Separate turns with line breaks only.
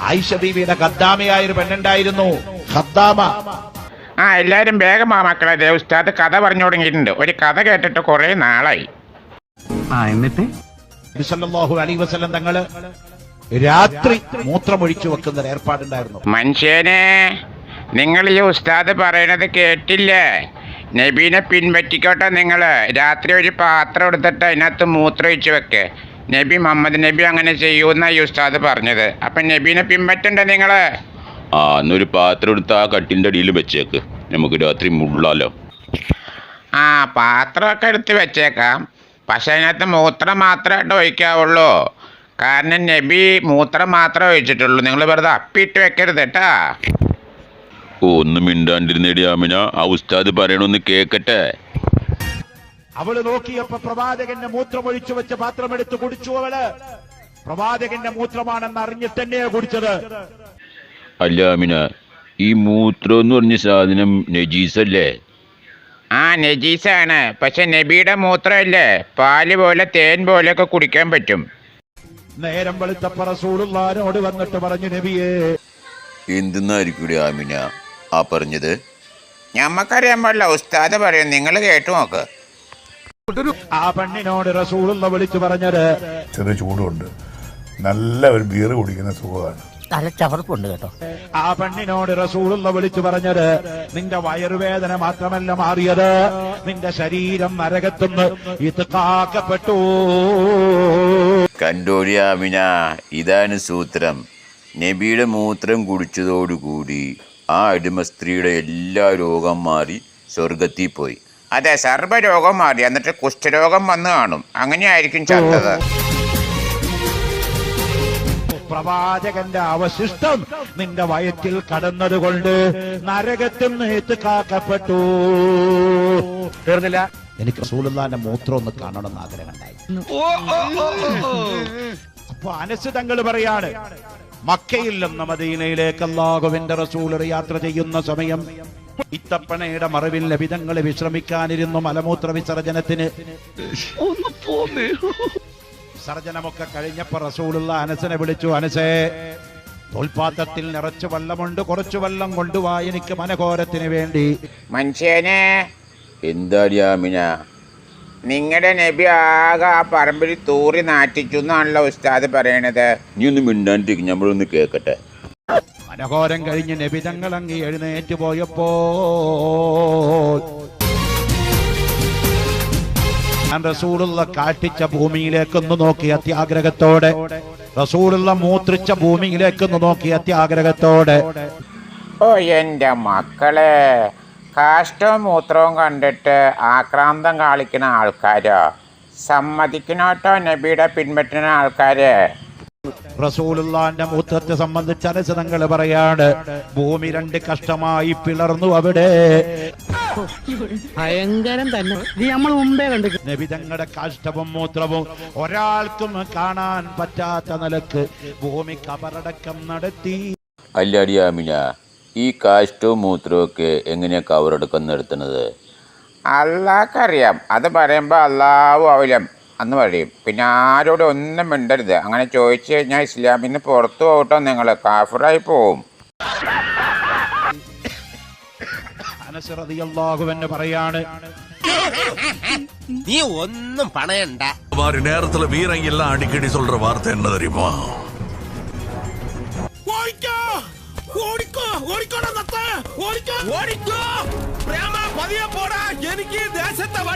ആയിഷ ബീവിയുടെ ഖദ്ദാമയായ ഒരു പെണ്ണുണ്ടായിരുന്നു, ഖദ്ദാമ.
എല്ലാരും വേഗം മക്കളെ, ഉസ്താദ് കഥ പറഞ്ഞു തുടങ്ങിയിട്ടുണ്ട്. ഒരു കഥ കേട്ടിട്ട് കുറെ നാളായി.
എന്നിട്ട്
നബി സല്ലല്ലാഹു അലൈഹി വസല്ലം തങ്ങള് രാത്രി മൂത്രമൊഴിച്ചു വെക്കുന്ന ഒരു ഏർപ്പാടുണ്ടായിരുന്നു.
മനുഷ്യനെ, നിങ്ങൾ ഈ ഉസ്താദ് പറയണത് കേട്ടില്ലേ? നബീനെ പിൻപറ്റിക്കോട്ടെ. നിങ്ങൾ രാത്രി ഒരു പാത്രം എടുത്തിട്ട് അതിനകത്ത് മൂത്രമൊഴിച്ച് വെക്ക്. നബി മുഹമ്മദ് നബി അങ്ങനെ ചെയ്യൂന്നാ ഈ ഉസ്താദ് പറഞ്ഞത്. അപ്പം നബീനെ പിൻപറ്റണ്ടേ നിങ്ങൾ?
എന്നൊരു പാത്രം എടുത്ത് ആ കട്ടിൻ്റെ അടിയിൽ വെച്ചേക്ക്, നമുക്ക് രാത്രി മുള്ളാലോ.
പാത്രമൊക്കെ എടുത്ത് വെച്ചേക്കാം, പക്ഷെ അതിനകത്ത് മൂത്രം മാത്രമായിട്ട് ഒഴിക്കാവുള്ളൂ. കാരണം നബി മൂത്രം മാത്രമേ ഒഴിച്ചിട്ടുള്ളൂ. നിങ്ങൾ വെറുതെ അപ്പിയിട്ട് വെക്കരുത് കേട്ടാ.
ഒന്നും മിണ്ടാണ്ടിരുന്നേടി ആമിന, ആ ഉസ്താദ് പറയണൊന്ന് കേക്കട്ടെ.
അവള് നോക്കിയപ്പോ പ്രവാചകന്റെ മൂത്രമൊഴിച്ചു വെച്ച പാത്രം എടുത്ത് കുടിച്ചു. അവള് പ്രവാചകന്റെ മൂത്രമാണെന്ന് അറിഞ്ഞിട്ട് തന്നെയാ കുടിച്ചത്.
അല്ല ആമിന, ഈ മൂത്രം എന്ന് പറഞ്ഞ സാധനം നജീസല്ലേ?
നജീസാണ്, പക്ഷെ നബിയുടെ മൂത്രമല്ലേ, പാല് പോലെ തേൻ പോലെയൊക്കെ കുടിക്കാൻ പറ്റും.
നേരം വെളുത്തപ്പ റസൂലുള്ളാഹിനോട് വന്നിട്ട് പറഞ്ഞു, നബിയേ.
എന്തെന്നായിരിക്കും ആമിന ആ പറഞ്ഞത്?
ഞമ്മക്കറിയാൻ പാടില്ല, ഉസ്താദ് പറയും, നിങ്ങൾ കേട്ടു നോക്ക്.
ആ പെണ്ണിനോട് റസൂലുള്ള വിളിച്ചു പറഞ്ഞത്,
ചെറിയ ചൂടുണ്ട്, നല്ല ഒരു ബിയർ കുടിക്കുന്ന സുഖമാണ്,
തലച്ചവർപ്പുണ്ട് കേട്ടോ.
ആ പെണ്ണിനോട് റസൂലുള്ള വിളിച്ചു പറഞ്ഞത്, നിന്റെ വയറുവേദന മാത്രമല്ല മാറിയത്, നിന്റെ ശരീരം നരകത്തുനിന്ന് ഇത്കാക്കപ്പെട്ടു.
കണ്ടോടി ആമിന, ഇതാണ് സൂത്രം. നബിയുടെ മൂത്രം കുടിച്ചതോടുകൂടി ആ അടിമ സ്ത്രീയുടെ എല്ലാ രോഗം മാറി സ്വർഗത്തിൽ പോയി.
അതെ, സർവ്വരോഗം മാറി, എന്നിട്ട് കുഷ്ഠരോഗം വന്നു കാണും. അങ്ങനെയായിരിക്കും ചത്തത്.
പ്രവാചകന്റെ അവശിഷ്ടം നിന്റെ വയറ്റിൽ കടന്നതുകൊണ്ട് നരകത്തിൽ നിന്ന് കാക്കപ്പെട്ടു. തീർന്നില്ല, എനിക്ക് റസൂലുള്ളാഹിന്റെ മൂത്രം ഒന്ന് കാണണമെന്ന് ആഗ്രഹം ഉണ്ടായി. അപ്പൊ അനസ് തങ്ങൾ പറയാണ്, മക്കയിൽ നിന്ന് മദീനയിലേക്ക് അല്ലാഹുവിന്റെ റസൂൽ യാത്ര ചെയ്യുന്ന സമയം ഇത്തപ്പണയുടെ മറവിൽ നബിതങ്ങൾ വിശ്രമിക്കാനിരുന്നു. മലമൂത്ര വിസർജനത്തിന് വിസർജനമൊക്കെ കഴിഞ്ഞപ്പോ റസൂലുള്ള അനസിനെ വിളിച്ചു, അനസേ, തോൽപാത്രത്തിൽ നിറച്ചു വെള്ളമുണ്ട്, കുറച്ചു വെള്ളം കൊണ്ടുവാ, എനിക്ക് മനഘോരത്തിന് വേണ്ടി.
മനുഷ്യനെ,
എന്താടി ആമിന?
നിങ്ങളുടെ നബി ആകെ ആ പറമ്പിൽ തൂറി നാട്ടിച്ചു എന്നാണല്ലോ ഉസ്താദ് പറയണത്.
നീ ഒന്ന് മിണ്ടാണ്ടിരിക്കും, നമ്മളൊന്ന് കേക്കട്ടെ.
മനഘോരം കഴിഞ്ഞ് നബിതങ്ങൾ അങ്ങ് എഴുന്നേറ്റ് പോയപ്പോ റസൂലുള്ള കാട്ടിച്ച ഭൂമിയിലേക്കൊന്ന് നോക്കി അത്യാഗ്രഹത്തോടെ, റസൂലുള്ള മൂത്രിച്ച ഭൂമിയിലേക്കൊന്ന് നോക്കി അത്യാഗ്രഹത്തോടെ.
ഓ എന്റെ മക്കളെ, കാഷ്ടവും മൂത്രവും കണ്ടിട്ട് ആക്രാന്തം കാണിക്കുന്ന ആൾക്കാരോ? സമ്മതിക്കണോട്ടോ നബിയുടെ പിൻപറ്റുന്ന ആൾക്കാര്.
റസൂലുള്ളാഹിന്റെ മൂത്രത്തെ സംബന്ധിച്ച് അനസതങ്ങൾ പറയാണ്, ഭൂമി രണ്ട് കഷ്ടമായി പിളർന്നു. അവിടെ
ഭയങ്കരം തന്നെ, നമ്മൾ മുമ്പേ കണ്ടു.
നബി തങ്ങളുടെ കാഷ്ടവും മൂത്രവും ഒരാൾക്കും കാണാൻ പറ്റാത്ത നിലക്ക് ഭൂമി കബറടക്കം നടത്തി.
അല്ലാടി ആമിന, ഈ കാഷ്ടവും മൂത്രവും ഒക്കെ എങ്ങനെയാ കവറടക്കം നടത്തുന്നത്?
അള്ളാഹ്ക്കറിയാം. അത് പറയുമ്പോൾ അള്ളാഹു അവലം എന്ന് പറയും. പിന്നെ ആരോടും ഒന്നും മിണ്ടരുത്. അങ്ങനെ ചോദിച്ചു കഴിഞ്ഞാൽ ഇസ്ലാമിൽ നിന്ന് പുറത്തു പോകട്ടോ, നിങ്ങൾ കാഫിറായി പോവും.
അനസ് റളിയല്ലാഹു അൻഹു പറയാണ്,
நீ ஒன்னும் பணையண்டா.
மாதிரி நேரத்துல வீரங்க எல்லாம் அடிக்கடி சொல்ற வார்த்தை என்ன தெரியுமா?
ஓடிக்கோ ஓடிக்கோ ஓடிக்கோ ஓடிக்கோ ஓடிக்கோ பிரேமா பதிய போடா, எனக்கு தேசத்தை